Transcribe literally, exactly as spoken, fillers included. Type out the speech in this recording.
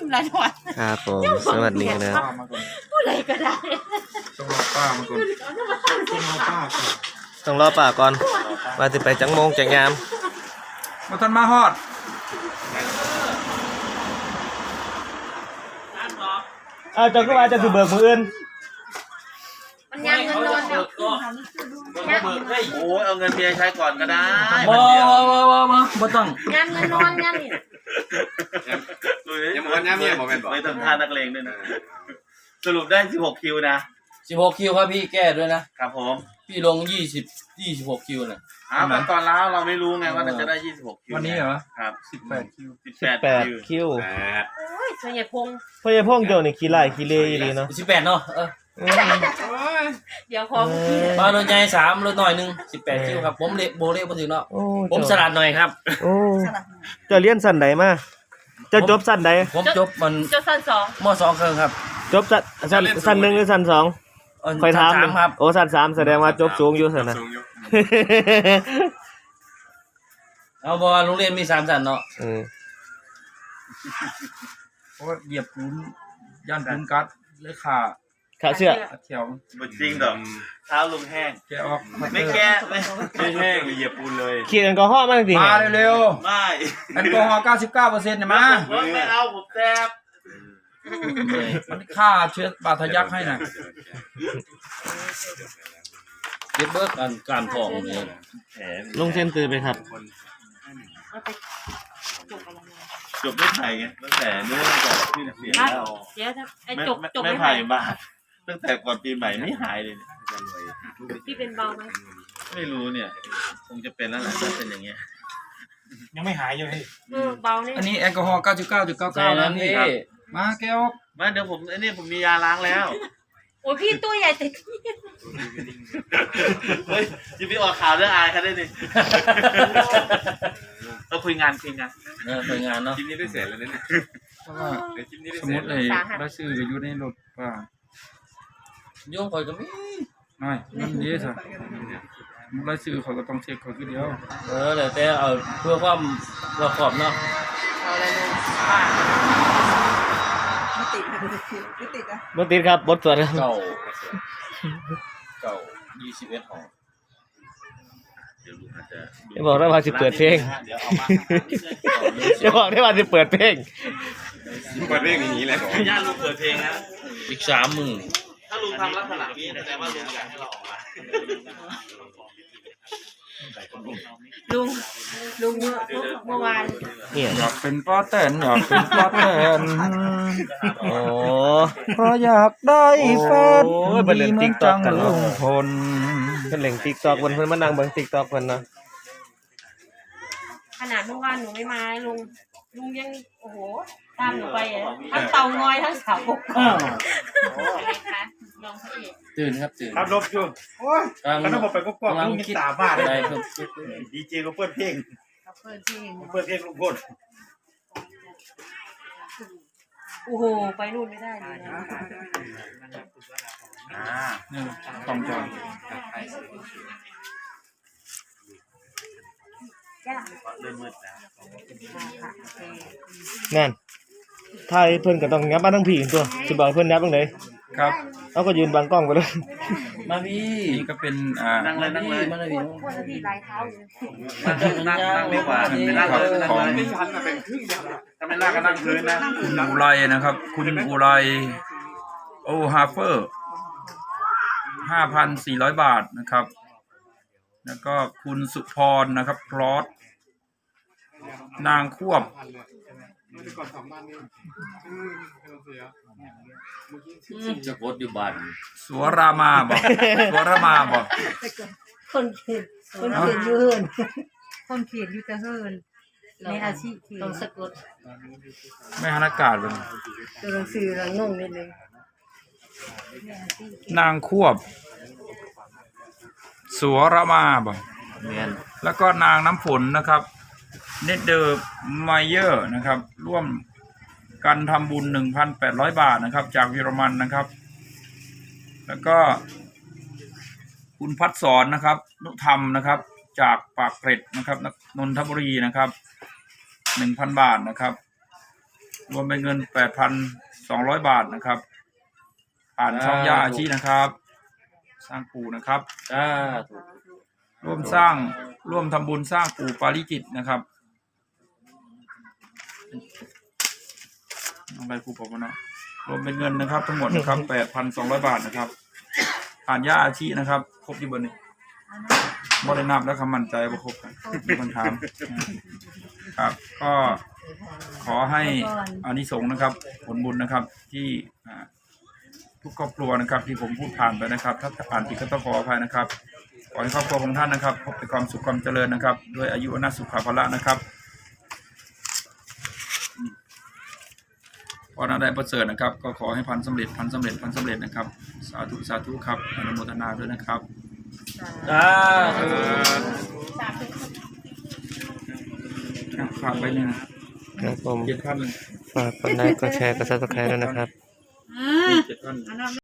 ละหน่อยครับผมสวัสดีนะผู้ใดก็ได้ต้องรอป้ามาก่อนต้องรอป้าก่อนต้องรอป่าก่อนว่าจะไปจังโมงจังยามมาทันมาฮอดอ้าวจังก็ว่าจะถือเบิกมืออื่นมันยังเงินนอนเดี๋ยวโอ้ยเอาเงินเมียใช้ก่อนก็ได้บ่บ่บ่บ่บ่บ่ต้องยังเงินนอนยังนี่ยังมันยังเมียบ่แม่นบ่ไม่ต้องท่านักเลงด้วยนะสรุปได้สิบหกคิวนะสิบหกคิวครับพี่แก้ด้วยนะครับผมพี่ลงยี่สิบ ยี่สิบหกคิวน่ะอ้าวตอนแล้วเราไม่รู้ไงว่าจะได้ยี่สิบหกคิววันนี้เหรอครับสิบแปดคิวสิบแปดคิวโอ้ยเสียพงพ่อใหญ่พงเดี๋ยวนี่ขี้ไล่ขี้เล่อีหลีเนาะสิบแปดเนาะเออเดี๋ยวพอพี่มารถใหญ่สามรถน้อยหนึ่งสิบแปดคิวครับผมเละโบเละบ่ถึงเนาะผมสลัดหน่อยครับโอ้จะเรียนสั้นใดมาจะจบสั้นใดผมจบมันจบสั้นสองม.สองครึ่งครับจบสั้นสั้นสั้นหนึ่งหรือสั้นสองคอยถามครับโอ้สั้นสามแสดงว่าจบสูงอยู่สินะเอาบอกว่าโรงเรียนมีสามชั้นเนาะอืมเพราะว่าเหยียบปูนย่านปูนกัดเลยขาขาเสื้อแถวบ่จริงดอกเท้าลุงแห้งแกออกไม่แก้ไม่ไม่แห้งเหยียบปูนเลยขี้แอลกอฮอล์มาจริงมาเร็วๆไม่แอลกอฮอล์ เก้าสิบเก้าเปอร์เซ็นต์ น่ะมาไม่เอาผมแซ่บมันฆ่าเชื้อบาดทะยักให้น่ะเก็บเบิกอันการทองนี่ลงเส้นตือไปครับจบไม่ไผ่ไงตั้งแต่เนื่องจากที่เสียแล้วเดี๋ยวไอ้จบจบไม่ไผ่บาทตั้งแต่ก่อนปีใหม่ไม่หายเลยพี่เป็นเบาไหมไม่รู้เนี่ยคงจะเป็นแล้วแหละถ้าเป็นอย่างเงี้ยยังไม่หายอยู่พี่เออเบาเนี่ยอันนี้แอลกอฮอล์ เก้าสิบเก้าจุดเก้าเก้า นะพี่มาแก้วมาเดี๋ยวผมไอ้นี่ผมมียาล้างแล้วโอ้ยพี่ตัวใหญ่แต่เฮ้ยจะไปออกข่าวเรื่องอายเขาได้ดิเราคุยงานคุยงานเออคุยงานเนาะคลิปนี้ได้เสร็จแล้วเนี่ยสมมติเลยได้ซื้ออยู่ในรถป่ะโยงคอยก็มีไม่มันดีสิได้ซื้อเขาก็ต้องเช็คเขาทีเดียวเออแต่แต่เอาเพื่อความรอบคอบเนาะเอาอะไรลงป้าไม่ติดไม่ติดอ่ะไม่ติดครับบทสวดเก่าเก่ายี่สิบเอ็ดห้องจะบอกได้ว่าจะเปิดเพลงจะบอกได้ว่าจะเปิดเพลงเปิดเพลงอย่างนี้แหละญาติลุงเปิดเพลงนะอีกสามมือถ้าลุงทำลักษณะนี้แสดงว่าลุงอยากให้เราออกมาลุงลุงเมื่อเมื่อวานอยากเป็นป้าแตนอยากเป็นป้าแตนโอ้เพราะอยากได้แฟนดีเหมือนจังลุงพลเป็นเหล่งติ๊กตอกวันเพิ่นมานั่งเบิ่งติ๊กตอกเพิ่นนะขนาดเมื่อวานหนูไม่มาลุงลุงยังโอ้โหตามหนูไปทั้งเตางอยทั้งสาวกอะไรคะลองพระเอกตื่นครับตื่นครับลบอยู่โอ้ยกำลังบอกไปก็กลัวลุงคิดตาบ้าเลยดีเจก็เปิดเพลงเปิดเพลงเปิดเพลงลุงพลโอ้โหไปนู่นไม่ได้เลยนะอ่านี่ต้องจองนั่นไทยเพิ่นก็ต้องงับมาทั้งผีตัวสิบอกเพิ่นงับตรงไหนครับเอาก็ยืนบังกล้องไปเลยมาพี่นี่ก็เป็นอ่านั่งเลยนั่งเลยมาเลยพวกพี่ลายเท้าอยู่นั่งนั่งดีกว่าไม่นั่งเลยนั่งเลยไม่ชันนะเป็นครึ่งเดียวถ้าไม่นั่งก็นั่งพื้นนะคุณอุไรนะครับคุณอุไรโอฮาเฟอร์ห้าพันสี่ร้อยบาทนะครับแล้วก็คุณสุพรนะครับพลอตนางควบจะกดอยู่บ้านสัวรามาบอกสัวรามาบอกคนเขียนคนเขียนอยู่เฮินคนเขียนอยู่แต่เฮินในอาชีพต้องสะกดไม่หันอากาศเลยตัวหนังสือเรางงนิดนึงนางควบสัวรามาบอกแล้วก็นางน้ำฝนนะครับเนเดอร์ไมเยอร์นะครับร่วมกันทำบุญ หนึ่งพันแปดร้อย บาทนะครับจากเยอรมันนะครับแล้วก็คุณพัฒสอนนะครับนุธรรมนะครับจากปากเกร็ดนะครับนนทบุรีนะครับ หนึ่งพัน บาทนะครับรวมเป็นเงินแปดพันสองร้อยบาทนะครับผ่านช่องย่าอาชีนะครับ สร้างปู่นะครับอ่าร่วมสร้างร่วมทำบุญสร้างปู่ปาริจิตนะครับเอาไปครูบอกมาเนาะรวมเป็นเงินนะครับทั้งหมดนะครับแปดพันสองร้อยบาทนะครับผ่านย่าอาชีนะครับครบที่บนนี้บ่ได้นับแล้วคำมั่นใจว่าครบกันมีคนถามครับก็ขอให้อานิสงส์นะครับผลบุญนะครับที่อ่าทุกครอบครัวนะครับที่ผมพูดผ่านไปนะครับถ้าอ่านผิดก็ต้องขออภัยนะครับขอให้ครอบครัวของท่านนะครับพบแต่ความสุขความเจริญนะครับด้วยอายุอนัสุขภาละนะครับพอหน้าได้ประเสริฐนะครับก็ขอให้พันสำเร็จพันสำเร็จพันสำเร็จนะครับสาธุสาธุครับอนุโมทนาด้วยนะครับอ่าฝากไปหนึ่งครับผมเจ็ดพันหนึ่งฝากกดไลค์กดแชร์กดซับสไครต์ด้วยนะครับเจ็ดพัน